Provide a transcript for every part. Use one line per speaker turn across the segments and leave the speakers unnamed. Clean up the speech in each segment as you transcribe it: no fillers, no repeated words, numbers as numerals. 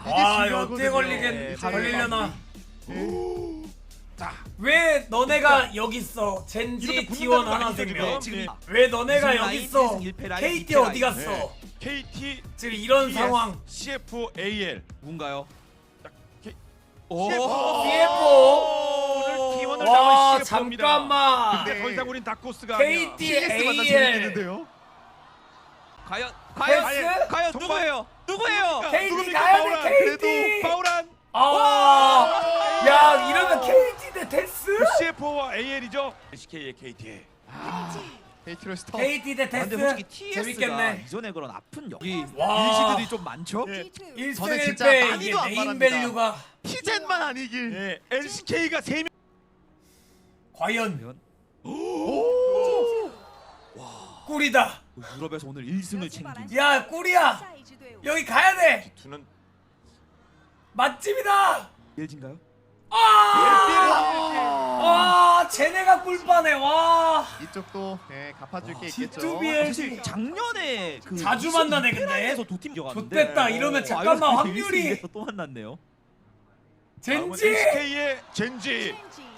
어떻게 걸리려나?
자,
왜 너네가 여기 있어? 젠지
이렇게
T1
붙는다는 거
하나
아니죠,
생명.
지금?
왜 너네가
무슨
여기
라인,
있어?
일승 일패 라인,
KT
일패 라인.
어디 갔어?
네. KT
지금 이런
TS,
상황.
CFAL
누군가요?
오,
CF.
오늘 T1을
와
잡은 CF입니다.
잠깐만.
근데 더 이상 우린 다코스가
KT AL.
과연
패스?
과연
정말?
누구예요? 누구예요?
KT
누굽니까,
가야
파울한.
돼 KT.
파울한
야 이러면 KT 대 테스?
CF와 AL이죠. SK의 KT.
KT로 스톱.
KT 대
아, 근데
테스?
솔직히 TS가
재밌겠네.
이전에 그런 아픈 여기
와.
일시들이 좀 많죠?
예,
1승
저는 진짜
1패 이게
많이도 안
네임
바랍니다.
밸류가
피젠만 아니길.
예, LCK가 3명.
과연 꿀이다.
유럽에서 오늘 1승을 챙긴
야 꿀이야. 여기 가야 돼.
두는
맛집이다.
LG인가요?
쟤네가 꿀빠네. 와.
이쪽도 갚아줄 게 있겠죠.
G2B
사실 작년에 그
자주 만나네, 근데.
에서 두팀 이겨갔는데
좋됐다. 이러면 잠깐만 확률이
또 만났네요.
젠지.
SK의 젠지.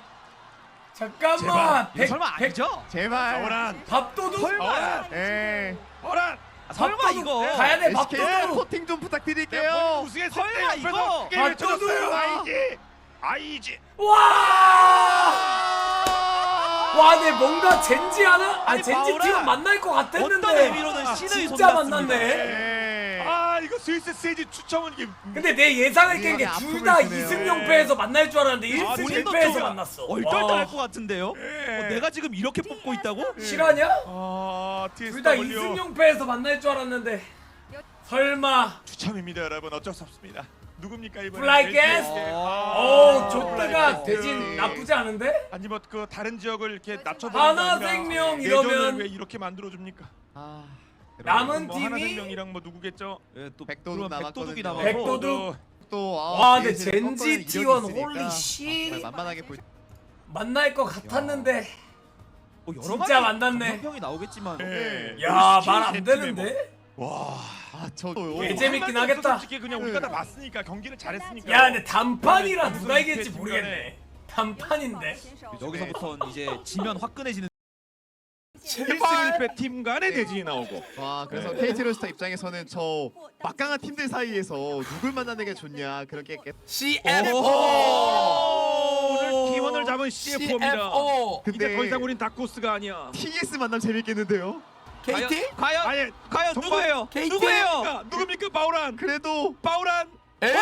잠깐만.
이거 설마 아니죠?
제발.
파울한.
밥도둑.
파울한.
파울한.
설마
밥도둑.
이거
가야 돼.
SK
밥도둑.
코팅 좀 부탁드릴게요.
내가 우승했을
설마
때 옆에서
이거.
크게 외쳐줬어요.
밥도둑.
아이지.
와. 와, 내 뭔가 젠지 하나?
아니,
젠지
바오라.
팀은 만날 것 같았는데.
어떤 의미로는 신의 손
진짜
같습니다.
만났네.
아 이거 스위스 세지 추첨은 이게
근데 내 예상을 깬 게
이게
둘 다
아픔을 주네요.
2승 0패에서 만날 줄 알았는데 1승
본인도
1패에서
좀
만났어.
얼떨떨할
와.
것 같은데요? 내가 지금 이렇게 뽑고 있다고?
실화냐?
아
둘 다
TSW
2승 0패에서 만날 줄 알았는데 설마.
추첨입니다 여러분. 어쩔 수 없습니다. 누굽니까 이번에?
플라이 게스?
아.
조트가
플라이
대진
게스.
나쁘지 않은데?
아니 뭐 그 다른 지역을 이렇게 낮춰버리는
하나생명
내전을
이러면
왜 이렇게 만들어줍니까?
남은
뭐
팀이
하나생명이랑 뭐 누구겠죠?
예, 또
백도둑
그런 백도둑이
남았거든요.
남아서
백도둑.
또
와, 근데 젠지 T1 홀리 씨.
만만하게 볼.
만날 것 같았는데.
뭐 여러
진짜
가지
만났네.
감정평이 나오겠지만
네.
야,
SK
말 안
젠지네
되는데?
와.
저요.
개 재밌긴
한마디
하겠다.
없어, 솔직히 그냥 우리가 다 봤으니까 경기를 잘했으니까.
야, 근데 단판이라
무슨
누가 이길지
중간에.
모르겠네. 단판인데.
여기서부터는 이제 지면 화끈해지는
1승 1패 팀 간의 대진이 나오고.
와, 그래서 KT 로스터 입장에서는 저 막강한 팀들 사이에서 누굴 만나는 게 좋냐 그렇게
CF.
오늘 T1을 잡은 CF입니다.
CFO.
이제
근데
더 이상 우린 다코스가 아니야.
TS 만남 재밌겠는데요.
KT?
과연
정말
누구예요?
KT?
누구예요?
누굽니까 바우란?
그래도
바우란.
에이.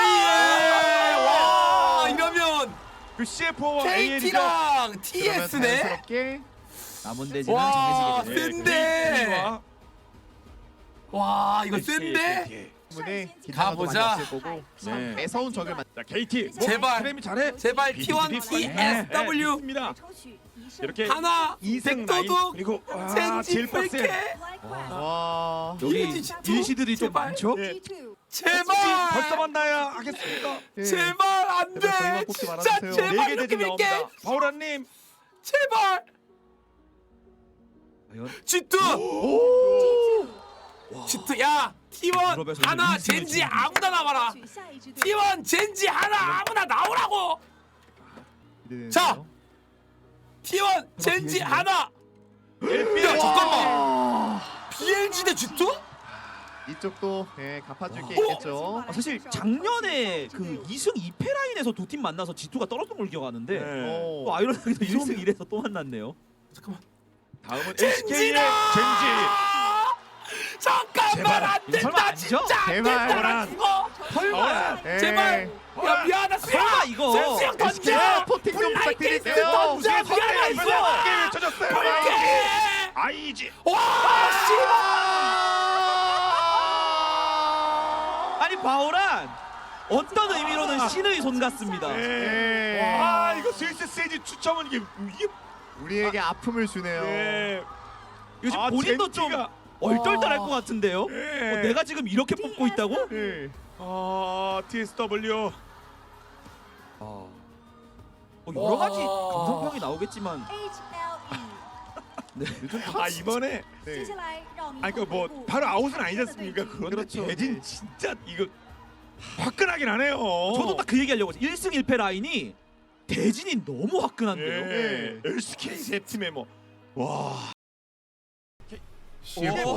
와, 이러면
그 CF와 AL이죠.
KT랑
그러면
TS네.
자연스럽게
남은 대진은
와,
정해지게 되죠.
센데. 와, 이거 센데.
때문에
가보자.
많이 없을 거고
네.
매서운 적을 만.
자 KT.
제발.
크렘이 잘해.
제발 T1 TSW
입니다. 이렇게
하나
2승
백도둑
그리고
젠지
제일 빡세.
뺄게.
와.
여기
일지
일시들이 좀
제발.
많죠?
예.
제발.
벌써 만나야 하겠습니까?
제발 안 돼.
제발 저희만 뽑지
진짜
말아주세요.
제발
4개
이렇게
대진
밀게.
나옵니다. 바우란님.
제발.
과연
G2. G2 야 T1
유럽에서
하나
이제 일승을
젠지
챙긴
아무나 나와라. T1 젠지 하나 아무나 나오라고. 자. T1 젠지 하나. 야 잠깐만. BLG 대 G2?
이쪽도 갚아줄 게 있겠죠.
사실 작년에 그 2승 2패 라인에서 두 팀 만나서 G2가 떨어졌던 걸 기억하는데
네.
또 아이러니하게도 1승 1에서 또 만났네요.
잠깐만.
다음은 SK의
젠지다.
젠지.
잠깐만
제발.
안
이거 설마
된다
아니죠?
진짜 안
제발.
된다 나 죽어.
설마
제발. 야 미안하다
설마 이거
센스형 던져.
SK 포팅 좀 부탁드릴게요.
던져 미안해
크게
있어.
외쳐줬어요.
볼게.
아이지.
와 씨발.
아니 바오란 어떤 의미로는 신의 손 같습니다.
네.
네.
아 이거 스위스 세지 추첨은 이게
우리에게 아픔을 주네요.
네.
이거 지금
아,
본인도 좀
젠지가.
얼떨떨할 것 같은데요?
네.
내가 지금 이렇게 뽑고 있다고?
네.
TSW.
여러 가지
와.
감성평이 나오겠지만
요즘
이번에
네.
아니 그뭐 바로 아웃은 아니지 않습니까? 그런데
그렇죠.
대진
네.
진짜 이거 화끈하긴 하네요.
저도 딱 그 얘기하려고 했어요. 1승 1패 라인이 대진이 너무 화끈한데요.
예. LCK 세 팀에 뭐 와.
CF.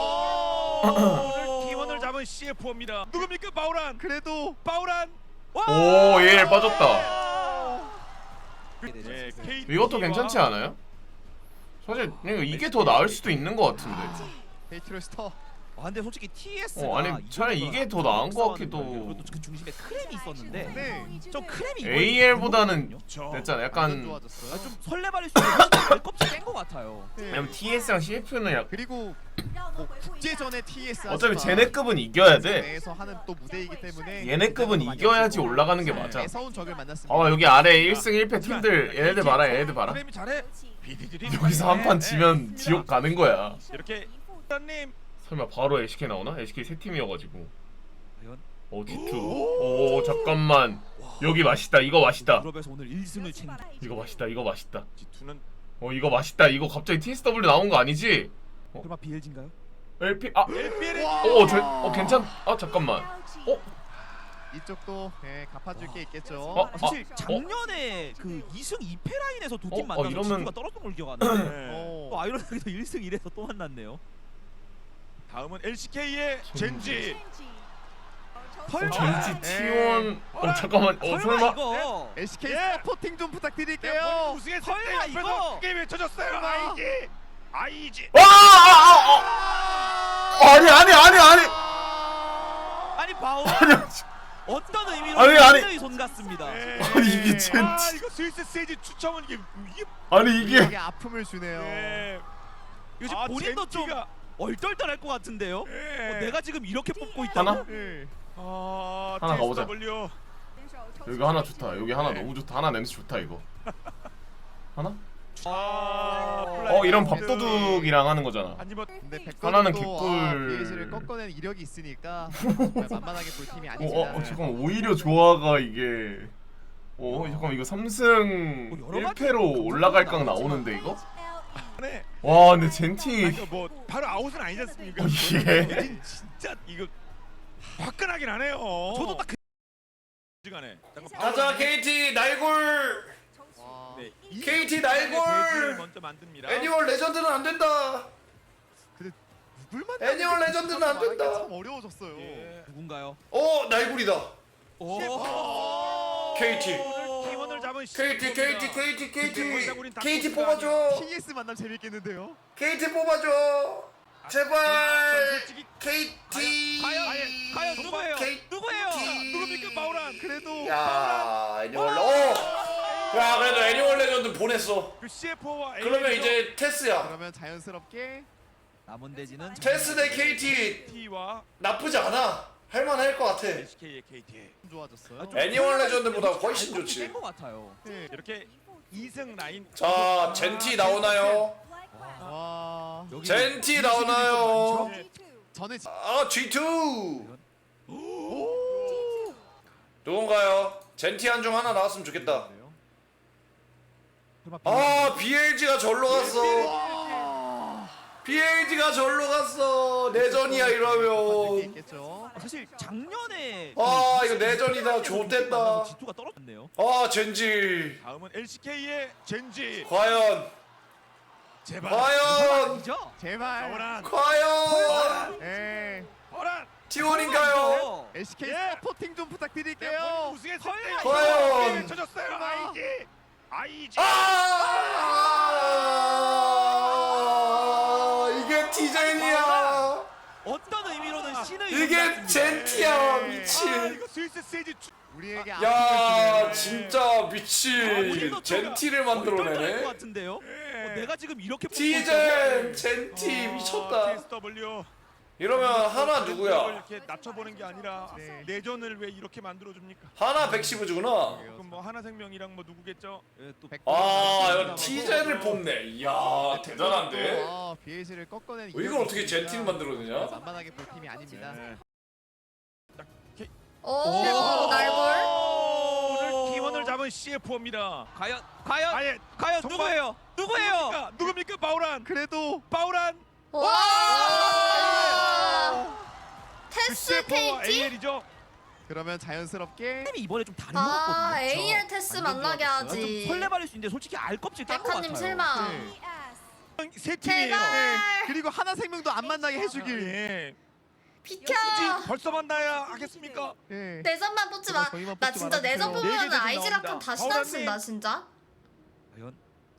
오늘 팀원을 잡은 CF입니다. 누굽니까 바우란?
그래도
바우란.
오, 예, 빠졌다.
예, KT
이것도
와
괜찮지 않아요? 사실 이게 더 나을 수도 있는 것 같은데.
페이트로스터
근데 솔직히 TS가
아니 차라리 이게 더 나은 것 같기도.
그것도 그 중심에 크렘이 있었는데
네.
좀 크렘이
AL보다는
저
됐잖아.
완전
약간
좋아졌어요.
좀 설레발일 수 있는 발껍질 뺀것 같아요.
네.
왜냐면 TS랑 CF는 약
그리고 뭐 국제전의 TS
어차피 쟤네급은 이겨야 돼.
내에서 하는 또 무대이기 때문에
얘네급은 이겨야지 올라가는 게 맞아.
매서운 적을 만났습니다.
여기 아래 1승 1패 팀들 얘네들 봐라. 얘네들 봐라.
프레임이 잘해. BD들이
여기서 한 판 지면 지옥 가는 거야.
이렇게 님
설마 바로 LCK 나오나? LCK 세 팀이어가지고.
과연
G2. 오 잠깐만. 여기 맛있다. 이거 맛있다.
유럽에서 오늘 1승을 챙겨.
이거 맛있다. 이거 맛있다.
G2는
이거 맛있다. 이거 갑자기 TSW 나온 거 아니지?
설마 BLG인가요?
LP
LPL의
괜찮. 잠깐만.
이쪽도 갚아줄 게 있겠죠.
사실 작년에 그 2승 2패 라인에서 두 팀 만나서
이러면-
지수가 떨어졌던 걸 기억하는데
네.
또 아이러니하게도 1승 1에서 또 만났네요.
다음은 LCK의 젠지.
젠지
네.
T1. 잠깐만. 설마.
이거
SK
예.
서포팅 좀
네,
부탁드릴게요.
우승했을
설마
때 옆에서
이거?
크게 외쳐줬어요. IG.
아니.
아니 바오 어떤 의미로
아니.
신의 손 같습니다.
아니, 이게 젠지.
이거 스위스 세지 추첨은 이게
아니 이게
우리에게 아픔을 주네요.
이거 지금 본인도 좀
젠지가
얼떨떨할 것 같은데요. 내가 지금 이렇게 뽑고 있다고?
하나?
네.
하나 가보자.
TSW.
여기 하나 좋다. 여기 하나 너무 좋다. 하나 냄새 좋다 이거. 하나? 이런 밥도둑이랑 하는 거잖아.
아니면
근데
하나는
백건도
개꿀.
BS를 꺾어낸 이력이 있으니까 정말 만만하게 볼 팀이 아니지만
잠깐 오히려 조화가 이게. 잠깐 이거 3승
여러 가지
1패로 올라갈 각 나오는데 이거?
네.
와 근데 젠티.
아니, 뭐 바로 아웃은 아니지 않습니까?
예.
진짜 이거 화끈하긴 하네요.
저도 딱
시간에
가자 KT 날골.
와,
네,
KT 날골.
먼저 만듭니다.
애니멀 레전드는 안 된다.
누굴 만나는
애니멀
게
레전드는 안
말하기가
된다.
참 어려워졌어요.
예.
누군가요?
날골이다.
오.
KT.
오늘 팀원을 잡은
KT 뽑아줘.
TS 만남 재밌겠는데요.
KT 뽑아줘. 제발.
솔직히
KT.
과연 누구예요? 누구예요?
누굽니까 바우란?
그래도
야 애니멀. 야 그래도 애니멀 레전드 보냈어.
그 CF와
그러면 이제 테스야.
그러면 자연스럽게
남은 대지는
테스 대 KT
KT와
나쁘지 않아. 할만할 것 같아.
SK의 KT.
좋아졌어요.
애니멀 레전드보다 훨씬 좋지.
뺀것 같아요.
네.
이렇게 2승 라인.
자 젠티 나오나요?
와,
여기
젠티 나오나요?
저는
G2. 누군가요? 젠티 한 중 하나 나왔으면 좋겠다. BLG가 절로 갔어. BLG가 절로 갔어. 내전이야 이러면.
있겠죠.
사실 작년에
이거 내전이다. 좋댔다.
지투가 떨어졌네요.
젠지.
다음은 LCK의 젠지.
과연.
제발.
과연.
아니죠?
제발.
바우란.
과연.
예.
바우란.
T1인가요?
SK
예.
서포팅 좀 부탁드릴게요.
우승했을 때
과연.
외쳐줬어요. IG.
이게 TJ이야.
어떤 의미로는 신의
이게 젠티야. 미친.
이거 스위스 세지
우리에게
야
아픔을 주네요.
진짜 미친. 젠티를
것
만들어내네.
같은데요. 내가 지금 이렇게 뽑고
티젠 젠티 미쳤다.
TSW.
이러면 하나 누구야?
이렇게 낮춰보는 게 아니라
네.
내전을 왜 이렇게 만들어 줍니까?
하나 백시브즈구나.
그럼 뭐 하나생명이랑 뭐 누구겠죠?
또
이거 티젠을 뽑네. 이야 대단한데.
BS를 꺾어낸
이걸 어떻게 젠티를 만들어내냐?
만만하게 볼 팀이 아닙니다.
오, 날볼.
오늘 팀원을 잡은 CF입니다.
과연
아예
과연
정말-
누구예요?
누굽니까 바우란?
그래도
바우란.
와.
그
테스
CF와
KT.
AL이죠.
그러면 자연스럽게
팀이 이번에 좀 다른 것 같거든요.
아 AR 테스 만나게 하지.
설레발일 수 있는데 솔직히 알 껍질 깬것 같아요.
백화님 실망.
네.
세 팀이에요.
제발.
네. 그리고 하나 생명도 안 만나게 해주길.
예.
비켜.
굳이 벌써 만나야 하겠습니까?
네.
내전만 뽑지 마.
저희만
나
뽑지
진짜
말아주세요.
내전
네 개
뽑으면
대진
아이즈라칸
나옵니다.
다시
바울아님.
단쓴다 진짜.
과연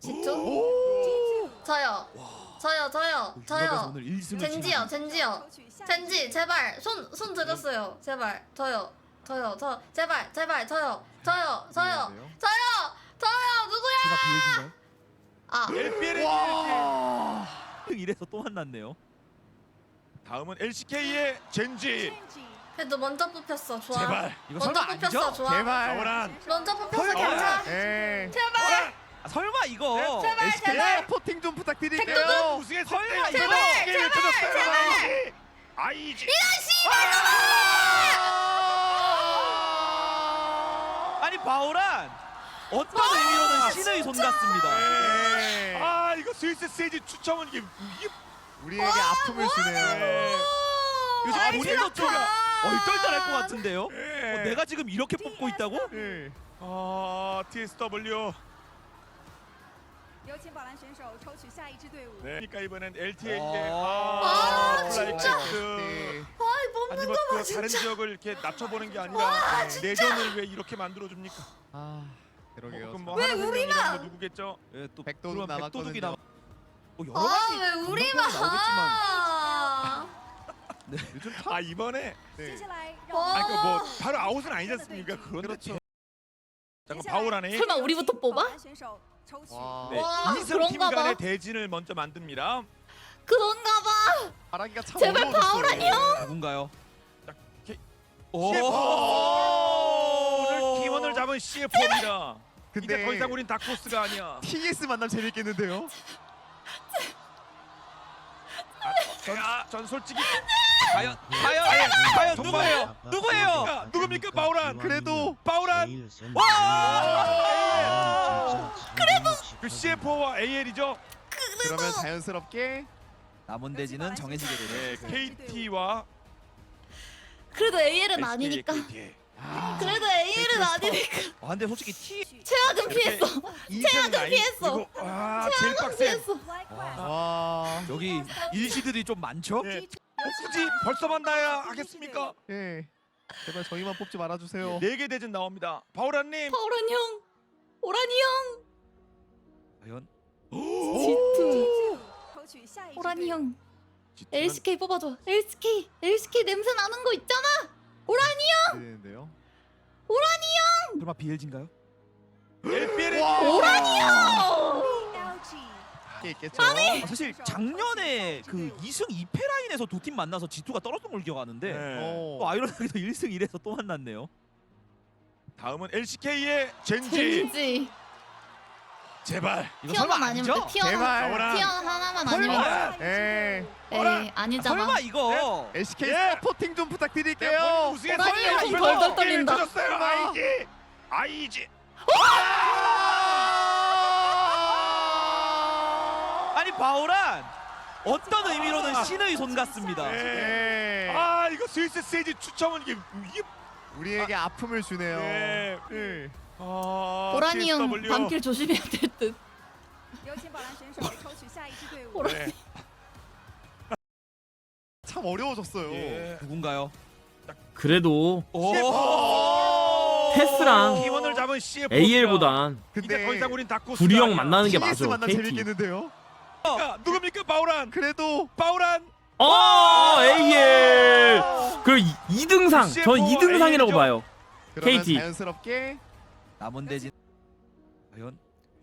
집중. 저요. 저요.
오늘 1승을
젠지요. 젠지 제발 손 들었어요. 제발 저요. 제발 저요. 누구야?
비엘진가요?
아
LPL의
와.
이래서 또 만났네요.
다음은 LCK의 젠지.
그래도 먼저 뽑혔어. 좋아.
제발.
이거
먼저
설마
뽑혔어.
아니죠?
좋아.
제발.
바울한.
먼저 뽑혔어.
설마.
괜찮아.
네.
제발.
아, 설마 이거
제발.
SK
제발.
서포팅 좀 부탁드릴게요.
백도둑.
우승했을
설마
때
이거.
LCK를 터졌어요. 아이지.
아니 바울한 어떤 의미로는 신의 손 같습니다.
네.
아 이거 스위스 세지 추첨은 이게
우리에게 아픔을 주네요.
요즘 본인도 좀 얼떨떨할 것 같은데요.
예.
내가 지금 이렇게 뽑고 있다고?
네.
아 TSW.
有请宝蓝选手抽取下一支队伍。
네. 그러니까 이번엔 LTA의
아, 진짜.
플라이캐스트.
아이 뽑는
아니
거
뭐
봐
그 다른
진짜.
지역을 이렇게 낮춰보는 게 아니라 내전을 왜 이렇게 만들어 줍니까?
아, 그러게요.
그럼 뭐
왜
하나
우리만?
생명이라는 거 누구겠죠?
예, 또
백도둑
그러면 백도둑이
남았거든요.
여러 가지
아왜 우리만?
나오겠지만
아.
요즘
아 이번에
接
네.
下来让
와.
我
아니 그뭐 바로 아웃은 아니지 않습니까? 그런데
그렇죠.
잠깐 바울하네.
설마 우리부터
宝
뽑아?
蓝选手抽取。
와.
네,
와,
이승 팀
그런가
간의
봐.
대진을 먼저 만듭니다.
그런가 봐.
바라기가 참
제발
어려워졌어요.
바울한 형.
누군가요?
K-
오.
CF 오늘 기원을 잡은 CF입니다. 이제
근데
더 이상 우린 다크호스가 아니야.
TS 만남 재밌겠는데요?
전 솔직히
과연 누구예요? 누구예요?
야, 누굽니까 바울한?
그래도
바울한 그 CF와 AL이죠.
그러면 자연스럽게
남은 대지는 정해지게
네,
되네요.
KT와
그래도 AL은 아니니까. 그래도 AL은 아니니까.
아 근데 솔직히 T
최악은 피했어.
최악은
피했어.
아 제일 빡센.
피했어.
와.
여기 일시들이 좀 많죠?
예. 굳이 벌써 만나야 하겠습니까?
예. 제발 저희만 뽑지 말아주세요.
4개 대진 나옵니다. 바울한님.
파울한 형. 오라니 형.
과연
G2.
抽取下一支
오라니
队伍。
형. LCK 뽑아줘. LCK 냄새 나는 거 있잖아. 오라니 형.
되는데요.
설마 BLG인가요?
LPL의
오라니 형.
LG
게 있겠죠.
아, 사실 작년에 그 2승 2패 라인에서 두 팀 만나서 G2가 떨어졌던 걸 기억하는데
네.
또 아이러니하게도 1승 1에서 또 만났네요.
다음은 LCK의 젠지.
젠지.
제발.
이거 설마
티어만 아니면 돼.
아니죠?
티어
제발.
바울한.
티어 하나만 아니면
바울한.
예.
에이 아니잖아.
설마 이거
LCK
예.
서포팅 좀
네,
부탁드릴게요.
우승했어요.
오라니 형 손 덜덜 떨린다.
터졌어요. 아이지.
아니 바울한 어떤 의미로는 신의 손 같습니다.
네.
예.
아 이거 스위스 세지 추첨은 이게
우리에게 아픔을 주네요.
네.
예.
아,
오라니 형
TSW.
밤길 조심해야 될 듯.
有请宝蓝选手抽取下一支队伍。
오라니.
네.
참 어려워졌어요.
예.
누군가요?
그래도
오.
테스랑
기원을 잡은 CF.
AL보단
이제 더 이상 우린 다크호스.
구리 형 만나는 게
TS
맞아.
만남
KT.
재밌겠는데요.
누굽니까 바울한?
그래도
바울한.
AL. 그 2등상. 전 2등상이라고 봐요.
그러면
KT.
자연스럽게
남은 대진 과연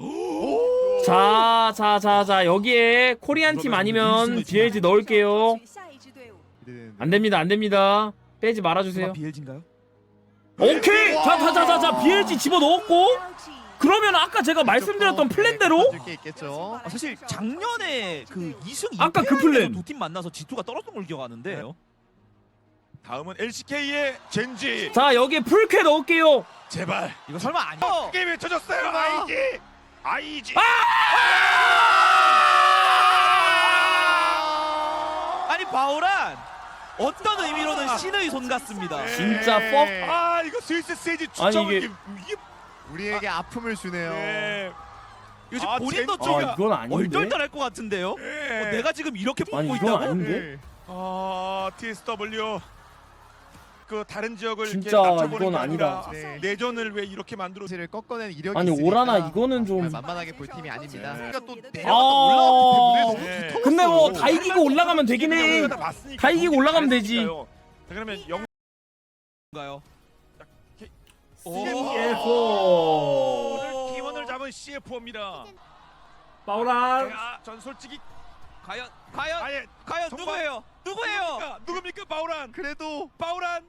자 여기에 코리안 팀 아니면 BLG 넣을게요.
抽取下一支队伍。
기대되는데.
안 됩니다. 빼지
설마
말아주세요.
BLG인가요?
오케이. 자 BLG 집어 넣었고.
LG
그러면 아까 제가 말씀드렸던 플랜대로
게 있겠죠.
아, 사실 작년에 그 2승 2패
아까 그 플랜.
두팀 만나서 G2가 떨어졌던 걸 기억하는데
다음은 LCK의 젠지.
자 여기에 풀캐 넣을게요.
제발.
이거 설마 아니죠?
게임에 터졌어요. 아이지.
아니 바울한 어떤 의미로는 신의 손 같습니다.
진짜 퍽.
아 이거 스위스 세지
아니,
추첨은
이게-
이게
우리에게 아픔을 주네요.
네.
요즘
아,
본인도
젠-
좀
아 이건 아닌데.
얼떨떨할 것 같은데요.
네.
내가 지금 이렇게
아니
뽑고
이건
있다고?
아닌데.
아 TSW 그 다른 지역을
진짜
이렇게 낮춰보는
이건
게
아니다.
아니라
네.
내전을 왜 이렇게 만들어?
를 꺾어낸 이력이
아니
있으니까
오라나 이거는 좀.
만만하게 볼 팀이 아닙니다.
네.
그러니까 또
아.
내려갔다 올라갔기 때문에
네.
너무
근데 뭐
두터웠어.
다 이기고 올라가면 되긴 해.
다 봤으니까
다 이기고 올라가면 되지.
잘했으니까요. 자, 그러면 영
가요.
CFO.
오늘 기원을 잡은 CFO입니다.
파울한.
전 솔직히
과연
아예
과연
정말-
누구예요? 누구예요?
누굽니까 바우란?
그래도
바우란.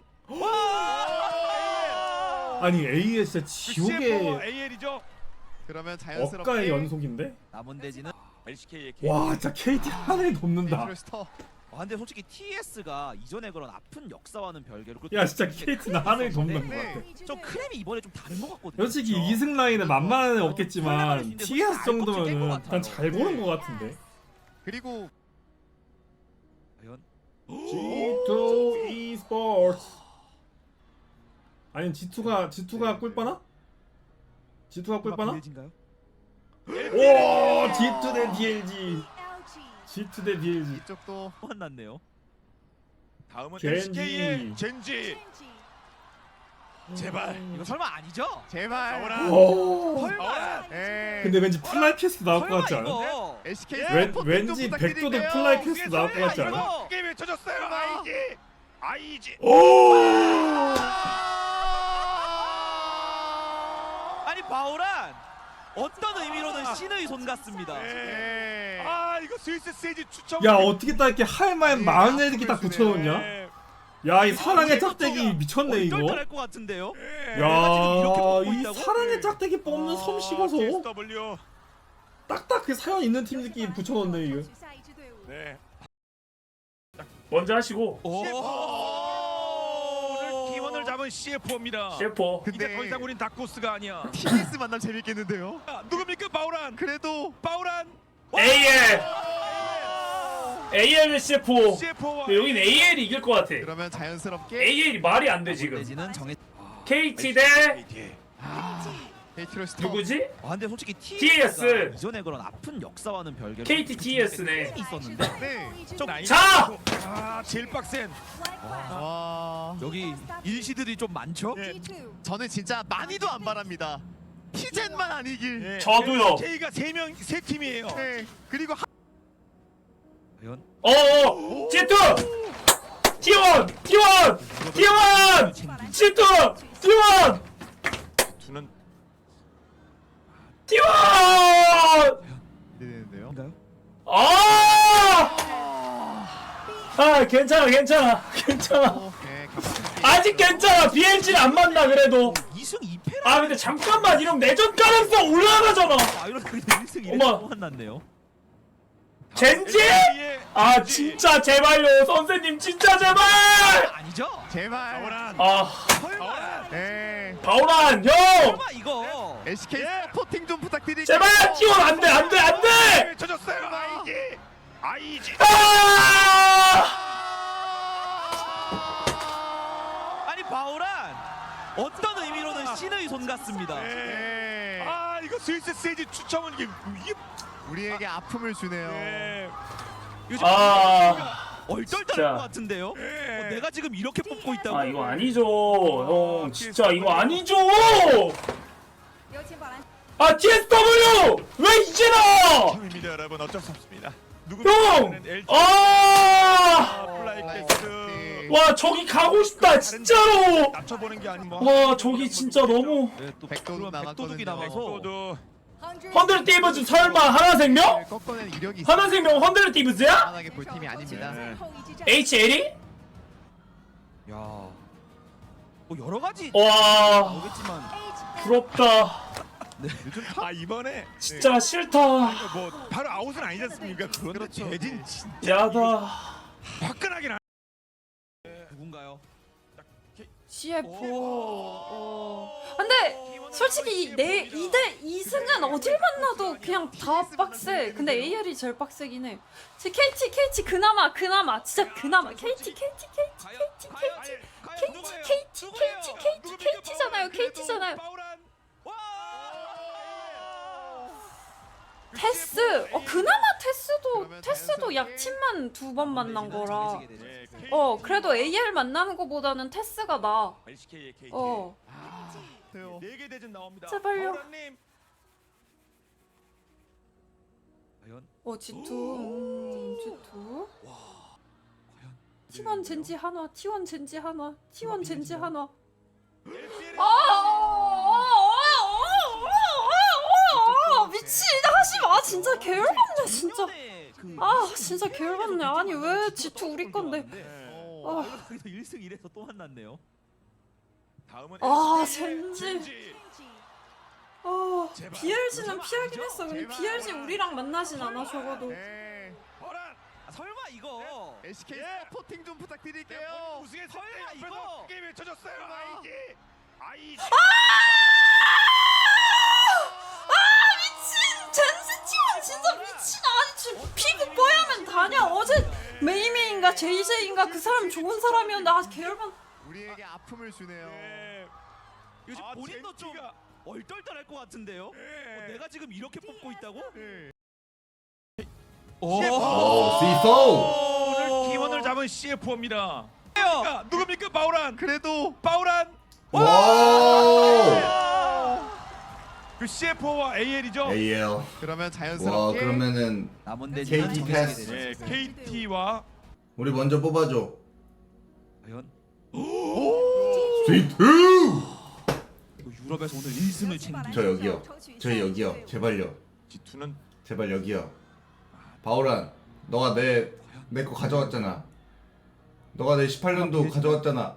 아니 A에 진짜
CFO
지옥의
AL이죠.
그러면 자연스럽게
억가의 연속인데?
남은 대지는
LCK의
와 진짜 KT 하늘이 돕는다.
네이트로스터
근데 솔직히 TS가 이전에 그런 아픈 역사와는 별개로
야 진짜 KT는 하늘이 돕는 것 같아.
좀 크렘이 이번에 좀 다른 것 같거든요.
솔직히
그렇죠?
2승 라인은 만만한 애
설레발
없겠지만
있는데
TS
솔직히 알껍질 깬것
정도면은
같아요.
난 잘 고른 것 같은데.
그리고
과연
G2 e스포츠. 아니 G2가 꿀빠나? G2가 꿀빠나?
빌진가요?
오 G2 대 DLG. G2 대 DLG.
이쪽도
만났네요.
다음은
젠지.
LCK의 젠지. 제발.
이거 설마 아니죠?
제발
바우란.
오.
바우란.
예.
근데 왠지 플라이 퀘스트 나올 것
설마
같지 않아?
이거
LCK
왠지 백도도 플라이 퀘스트 나올 것 같지 않아?
이거 게임 외쳐졌어요. 아이지. 아이지.
오.
아니 바우란 어떤 의미로는 신의 손 같습니다.
네.
예.
아 이거 스위스 세지 추첨.
야 어떻게 딱 이렇게 할만 많은 애들이 딱 붙여놓냐?
네.
야 이 사랑의 짝대기 미쳤네 이거.
얼떨떨할 것 같은데요.
네.
내가 지금 이렇게 뽑고
야이
있다고?
사랑의 짝대기 뽑는 솜씨가서
TSW.
딱딱 그 사연 있는 팀들끼리 붙여놓네 이거.
네.
먼저 하시고.
오늘 기원을 잡은 CFO입니다.
CFO.
이제
근데
더 이상 우린 다코스가 아니야.
TS 만남 재밌겠는데요?
누굽니까 바우란?
그래도
바우란.
AL. AL CFO.
CFO와
근데 여긴 AL이 이길 것 같아.
그러면 자연스럽게
AL이 말이 안 돼 지금.
대지는 정해.
KT 대
네이트로스터
누구지?
근데 솔직히
TS.
TS가 이전에 그런 아픈 역사와는 별개로
KT TS네.
있었는데
네.
자!
아 제일 빡센.
와
여기 일시들이 좀 많죠?
네.
저는 진짜 많이도 안 바랍니다. 티젠만 아니길.
네.
저도요.
K가 세 팀이에요.
네. 그리고
과연
어어. G2. T1. T1. T1. G2. T1.
두는
T1.
되는데요.
인가요?
아 괜찮아 괜찮아.
네,
아직 괜찮아. BLG는 안 만나 그래도.
2승 2패라.
아 근데 잠깐만 이러면 내전 가능성 올라가잖아.
이런 1승 1패
어머.
만났네요.
젠지? 아 진짜 제발요 선생님 진짜 제발.
아니죠?
제발.
바우란.
아
바우란.
네.
바우란 형
설마 이거
LCK 서포팅 좀 부탁드릴게요.
제발 T1 안돼 안돼 안돼.
외쳐졌어요. 아이지. 아이지.
아니 바우란 어떤 의미로는 신의 손 같습니다.
네. 아 이거 스위스 세지 추첨은 이게
우리에게 아픔을 주네요.
네.
요즘
아
얼떨떨할
진짜.
것 같은데요.
네.
내가 지금 이렇게 뽑고 있다고?
아 이거 아니죠 형 진짜 이거 아니죠. 아 TSW 왜 이제 나?
팀입니다 여러분 어쩔 수 없습니다.
형! 아!
플라이
플라이
퀘스트.
퀘스트.
와 저기 가고 싶다 진짜로.
낮춰보는 게 아닌 뭐.
와 저기 진짜 너무.
네, 또
백도둑
백도둑이
남았거든요.
남아서
또
헌드레 띠브즈 설마 하나생명?
꺾어낸 이력이 있어.
하나생명 헌드레 띠브즈야?
만만하게 볼 팀이 아닙니다.
네.
HL이?
야. 뭐 여러 가지
와
나오겠지만
부럽다.
요즘 아 이번에
진짜 싫다.
뭐 바로 아웃은 아니지 않습니까? 그런데
그렇죠.
대진 진짜
야다.
화끈하긴 하.
누군가요?
CFO. 안돼.
솔직히 내 2승은 어딜 만나도 그냥 다 빡세. 근데 AR이 제일 빡세긴 해. 제 KT 그나마 진짜 그나마 KT잖아요. 테스 그나마 테스도 약팀만 2번 만난 거라 그래도 AR 만나는 거보다는 테스가 나아.
네개 대진 나옵니다.
제발요.
과연
G2 G2 T1 젠지 하나 미친 하지마 진짜 개열받네 진짜. 진짜 개열받네. 아니 왜 G2 우리 건데.
여기서 1승 1에서 또 만났네요.
다음은
젠지. BLG는 피하긴 했어. 근데 BLG 우리랑 만나진 않아 적어도.
설마 이거
SK 서포팅 좀 부탁드릴게요.
우승했을
설마
때 옆에서
이거?
크게 외쳐줬어요. 아이지.
미친! 젠지 팀은 진짜 미친. 아니 지금 피부 뽀야면 다냐. 어제 메이메인가 제이제인가 그 사람 좋은 사람이었는데 개열받.
우리에게 아픔을 주네요.
요즘 본인도 좀 얼떨떨할 것 같은데요? 내가 지금 이렇게 뽑고 있다고?
오늘 기원을 잡은 CF4입니다. 누굽니까? 바우란.
그래도
바우란.
와.
그 CF4와 AL이죠.
AL.
그러면
와
자연스럽게
그러면은
남은
KT
대진은
패스.
정해지게 되죠.
KT와
우리 먼저 뽑아줘.
과연
스위트.
유럽에서 오늘 1승을 챙긴
저 여기요. 저희 여기요. 제발요.
G2는
제발 여기요. 바오란, 너가 내 거 가져왔잖아. 너가 내 18년도 가져왔잖아.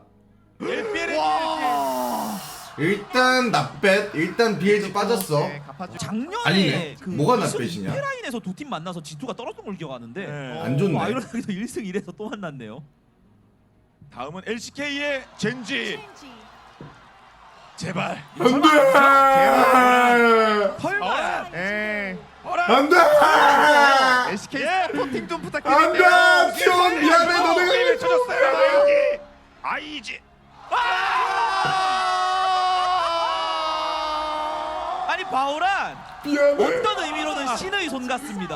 일단 나뱃. 일단 BLG 빠졌어.
작년에
아니네. 뭐가 낫배시냐?
페라인에서 두 팀 만나서 G2가 떨어진 걸 기억하는데
안 좋네.
아이러니하게도 1승 1에서 또 만났네요.
다음은 LCK의 젠지. 제발.
안돼.
설마
안돼.
SK 서포팅 좀
안돼.
부탁드릴게요.
티원 미안해. 너네가
외쳐줬어요. 아이지.
아니 바오란
미안해.
어떤 의미로는 신의 손 같습니다.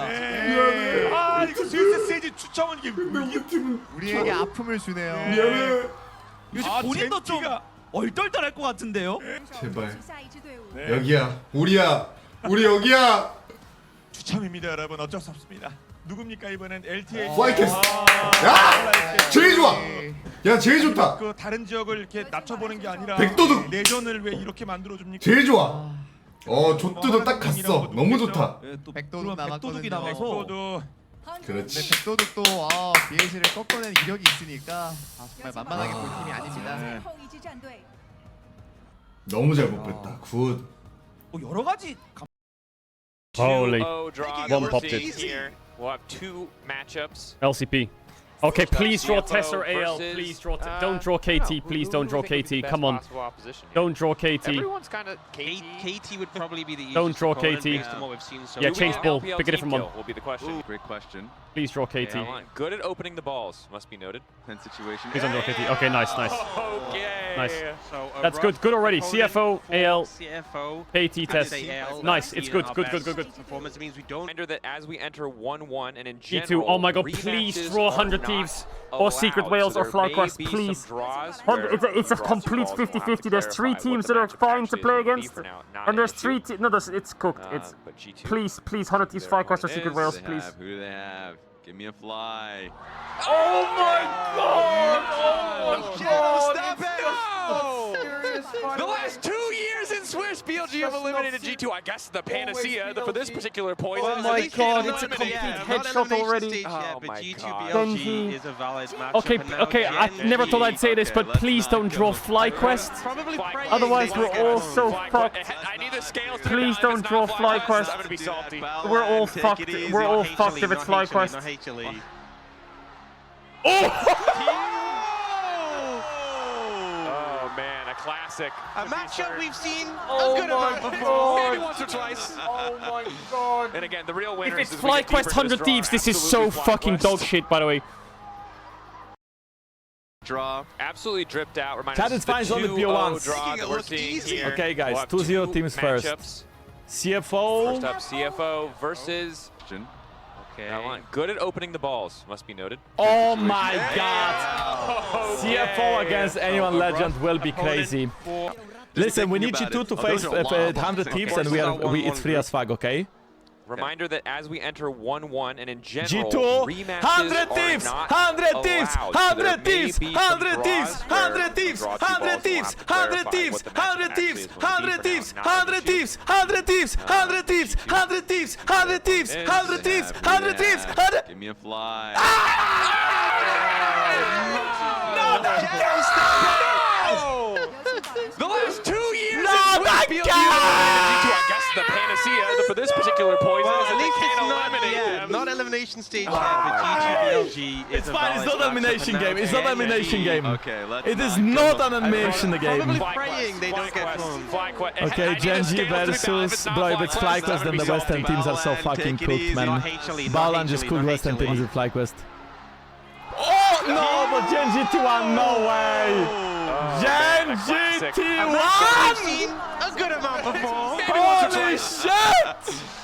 이거 스위스 세지 추첨은 이게
우리 팀은
우리에게 아픔을 주네요.
미안해.
요즘 본인도 좀 얼떨떨할 것 같은데요?
제발.
下一支队伍。
네.
여기야. 우리야. 우리 여기야.
추첨입니다, 여러분. 어쩔 수 없습니다. 누굽니까 이번엔 LTA.
플라이캐스. 야! 제일 좋아. 야 제일 좋다.
그 다른 지역을 이렇게 낮춰보는 게 아니라
백도둑.
내전을 왜 이렇게 만들어 줍니까?
제일 좋아. 조뚜도 딱 갔어. 너무 좋다.
또
백도둑
백도둑이
남았거든요.
나와서
백도둑.
그렇지.
근데 백도둑도 BLG를 꺾어낸 이력이 있으니까 정말 만만하게 볼 팀이 아닙니다.
最后一支战队。
너무 잘 뽑혔다. 굿.
여러 가지
Holy.
One
popped it.
Here. We'll have two matchups.
LCP. Okay, please draw Tess or AL.
versus,
Please draw. Don't draw KT. Please don't draw KT. Come on. Don't draw KT.
Everyone's kind of KT would probably be the
Don't
easiest
draw
opponent
KT.
based on what we've seen so
Yeah,
far.
change ball.
LPL
Pick a different
team
one.
kill will be the question.
Great question.
Please draw KT.
Good at opening the balls, must be noted.
Tense situation.
Please don't draw KT. Okay, nice.
Okay.
Nice.
So
That's good. Good already. CFO, AL,
CFO.
KT test. Nice. It's good. Good.
Performance means we don't enter that as we enter 1-1 and in
G2.
general.
Oh my god, please
rematches
draw
are
100
not
Thieves. Or Secret
allowed,
Whales
so
or
there
FlyQuest,
may be
please.
some draws
It's a
where
complete
draws will have
50-50. There's 3
clarify
teams
what
that
the
are
matchup
trying to
actually
play
is gonna be
against.
for now, not
And there's
an
3
issue.
teams. No, it's cooked. It's
But G2,
please 100 Thieves,
they're
FlyQuest or
what it
Secret
is.
Whales,
Who do they
please.
have? Who do they have? Give me a fly.
Oh my god!
Stop it! The last 2 years in Swiss, BLG have eliminated G2. I guess the panacea for this particular point.
Oh my god, it's a complete headshot already.
Oh my god.
Genji.
is a valid matchup.
Okay, I never thought I'd say this, but please don't draw FlyQuest. Otherwise, we're all so fucked.
I need the scales to
Please
come down.
don't
If
draw
it's not
FlyQuest.
I'm gonna be salty.
We're all fucked. We're all fucked if it's FlyQuest.
Oh man, a classic.
A matchup we've seen
Oh
a good
my
amount before.
god.
Maybe once or twice.
Oh my god.
And again, the real winner
If it's FlyQuest 100 Thieves, this is so fucking dog shit, by the way.
Draw.
Absolutely dripped out. Remind
Chat,
us
it's fine, it's only
2-0
PO1s.
draw that we're seeing here.
Okay, guys,
We'll have
2-0
two
teams first.
matchups.
CFO.
First up, CFO versus.
Okay.
That one. Good at opening the balls, must be noted.
Oh my god. CFO against anyone legend will be crazy. Listen, we need you two to face 100 Thieves and it's free as fuck, okay?
Reminder that as we enter 1-1 and in general,
G2,
rematches
100
are
Thieves,
not
100 Thieves,
allowed. So there
100
may
Thieves,
be some
100 Thieves,
draws
100
where
Thieves,
we'll draw two
100
balls,
Thieves,
we'll have to
100
clarify
Thieves,
what the matchup
100 Thieves,
actually is going to be
100
for
Thieves,
now, not
100
an issue.
Thieves, 100 Thieves, 100 Thieves, 100 Thieves, 100 Thieves, 100 Thieves, 100 Thieves, 100.
Give me a fly.
The last 2 years
No,
in
my
Swiss
God!
I guess the panacea for this particular poison
Well,
is
at
that
least
they
it's
can't
not,
eliminate them.
not elimination stage yet, but G2
It's fine, it's not an elimination game, it's not an elimination game.
Okay, let's
It is
not
not an elimination game.
Probably
FlyQuest,
praying they don't get
FlyQuest,
cloned.
FlyQuest.
Okay,
I need a
Gen G
scale to be balanced. If
versus
it's not
bro, if it's
FlyQuest,
FlyQuest, then
I'm
the
gonna be
West End
salty.
teams are so fucking cooked, man. Balan just cooked West End teams with FlyQuest. Oh no, but Gen GT1, no way! Gen
We've
GT1!
seen a good amount before.
Holy shit!